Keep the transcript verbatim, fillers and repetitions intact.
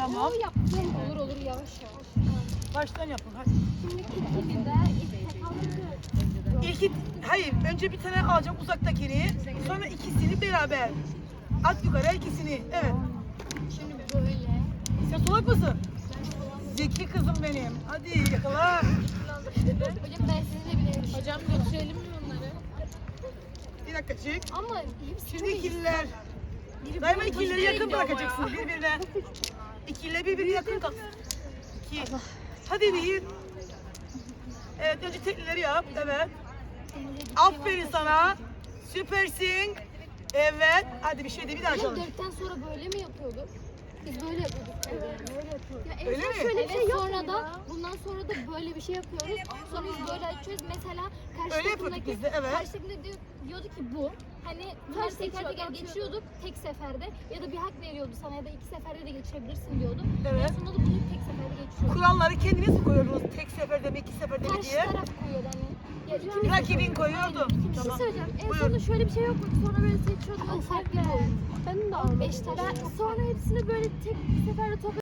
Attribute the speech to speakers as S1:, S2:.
S1: Tamam.
S2: Yaptım. Olur olur yavaş yavaş.
S1: Baştan yapın hadi.
S2: Şimdi ikili de istek aldık.
S1: İlki, hayır önce bir tane alacağım uzaktakini. Sonra ikisini beraber. At yukarı ikisini. Evet.
S2: Şimdi böyle.
S1: Sen solak mısın? Zeki kızım benim. Hadi yakala.
S2: Hocam ben sizinle bile.
S3: Hocam götürelim mi bunları?
S1: Bir dakika çık.
S2: Ama hepsi
S1: Şimdi ikililer. Daima ikilileri yakın bırakacaksın birbirine. İkililer birbirine yakın kalsın. İki. Hadi bir. Evet önce teklileri yap. Evet. Aferin sana. Süpersin. Evet. Hadi bir şey de bir daha
S2: Hocam
S1: çalış.
S2: dörtten sonra böyle mi yapıyorduk? Biz böyle yapıyorduk. Evet, böyle yapıyorduk. Ya en
S1: Öyle
S2: son
S1: mi?
S2: şöyle bir
S3: Evet,
S2: şey yok
S3: sonra
S2: sonra da bundan sonra da böyle bir şey yapıyoruz. Sonra biz böyle açıyoruz. Mesela karşı
S1: Öyle yapıyorduk
S2: takımdaki
S1: biz de, evet.
S2: karşı takımda diyor, diyordu ki bu. Hani bunları teker teker geçiyorduk tek seferde ya da bir hak veriyordu sana ya da iki seferde de geçebilirsin diyordu.
S1: Evet.
S2: En sonunda da bunu tek seferde geçiyorduk.
S1: Kuralları kendiniz mi koyuyordunuz? Tek seferde mi, iki seferde mi
S2: Karşı
S1: diye?
S2: taraf koyuyordu hani. Ya ikimiz de
S1: Rakibin
S2: koyuyorduk.
S1: koyuyordu.
S2: Aynen, ikimiz de.
S3: Bir şey söyleyeceğim. En
S1: Buyur.
S3: sonunda şöyle bir şey yok mu? Sonra böyle seçiyorduk.
S2: O farklı bir oyun.
S3: Benim de almadım.
S2: Beş tane
S3: Sonra hepsini böyle tek bir seferde tokat